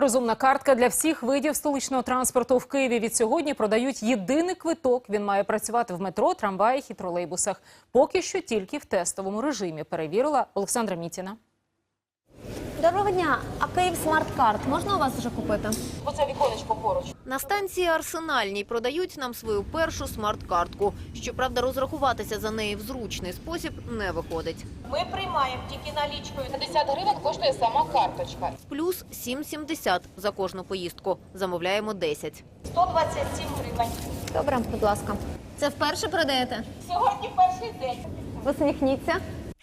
Розумна картка для всіх видів столичного транспорту в Києві від сьогодні продають єдиний квиток. Він має працювати в метро, трамваях і тролейбусах. Поки що тільки в тестовому режимі, перевірила Олександра Мітіна. Доброго дня. А Київ смарт-карт можна у вас вже купити? Оце віконечко поруч. На станції Арсенальній продають нам свою першу смарт-картку. Щоправда, розрахуватися за неї в зручний спосіб не виходить. Ми приймаємо тільки налічкою. 50 гривень коштує сама карточка. Плюс 7,70 за кожну поїздку. Замовляємо 10. 127 гривень. Добре, будь ласка. Це вперше продаєте? Сьогодні перший день. Посміхніться.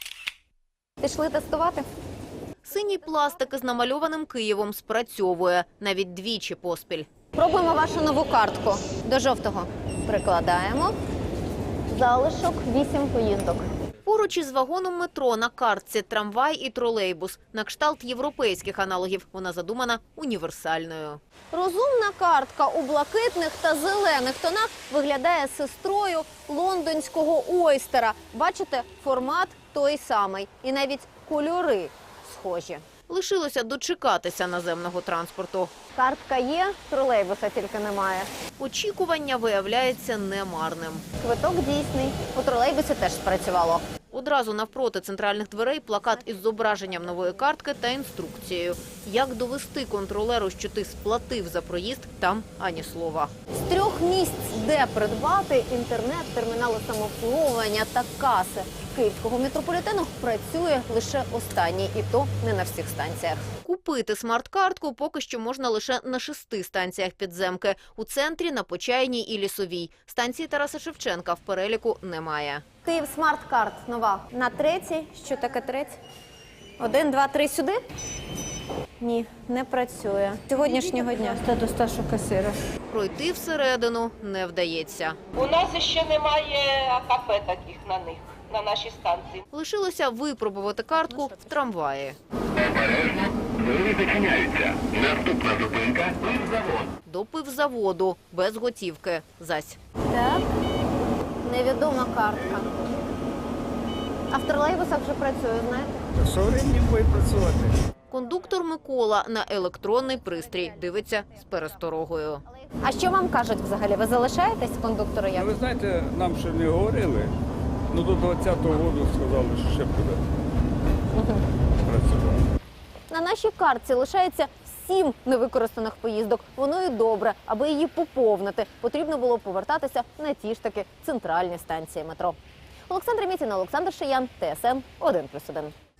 Пішли тестувати? Синій пластик із намальованим Києвом спрацьовує. Навіть двічі поспіль. Пробуємо вашу нову картку. До жовтого прикладаємо. Залишок 8 поїздок. Поруч із вагоном метро на картці трамвай і тролейбус. На кшталт європейських аналогів вона задумана універсальною. Розумна картка у блакитних та зелених тонах виглядає сестрою лондонського ойстера. Бачите, формат той самий. І навіть кольори схожі. Лишилося дочекатися наземного транспорту. Картка є, тролейбуса тільки немає. Очікування виявляється немарним. Квиток дійсний. У тролейбусі теж спрацювало. Одразу навпроти центральних дверей плакат із зображенням нової картки та інструкцією. Як довести контролеру, що ти сплатив за проїзд, там ані слова. З 3 місць, де придбати інтернет, термінали самообслуговування та каси київського метрополітену, працює лише останній, і то не на всіх станціях. Купити смарт-картку поки що можна лише на 6 станціях підземки. У центрі, на Почаїній і Лісовій. Станції Тараса Шевченка в переліку немає. Київ смарт-карт нова. На 3-й. Що таке 3? 1, 2, 3 сюди? Ні, не працює. Сьогоднішнього дня. Та до старшого касира. Пройти всередину не вдається. У нас ще немає кафе таких на нашій станції. Лишилося випробувати картку в трамваї. Обережно, двері зачиняються. Наступна зупинка – пивзавод. До пивзаводу, без готівки. Зась. Так. Невідома картка. А в тролейбусах вже працює, знаєте? Со временем буде працювати. Кондуктор Микола на електронний пристрій дивиться з пересторогою. А що вам кажуть взагалі? Ви залишаєтесь кондуктору як? Ви знаєте, нам ще не говорили, ну до 20-го року сказали, що ще буде працювати. На нашій картці лишається 7 невикористаних поїздок. Воно і добре. Аби її поповнити, потрібно було повертатися на ті ж таки центральні станції метро. Олександра Мітіна, Олександр Шиян, ТСН 1+1.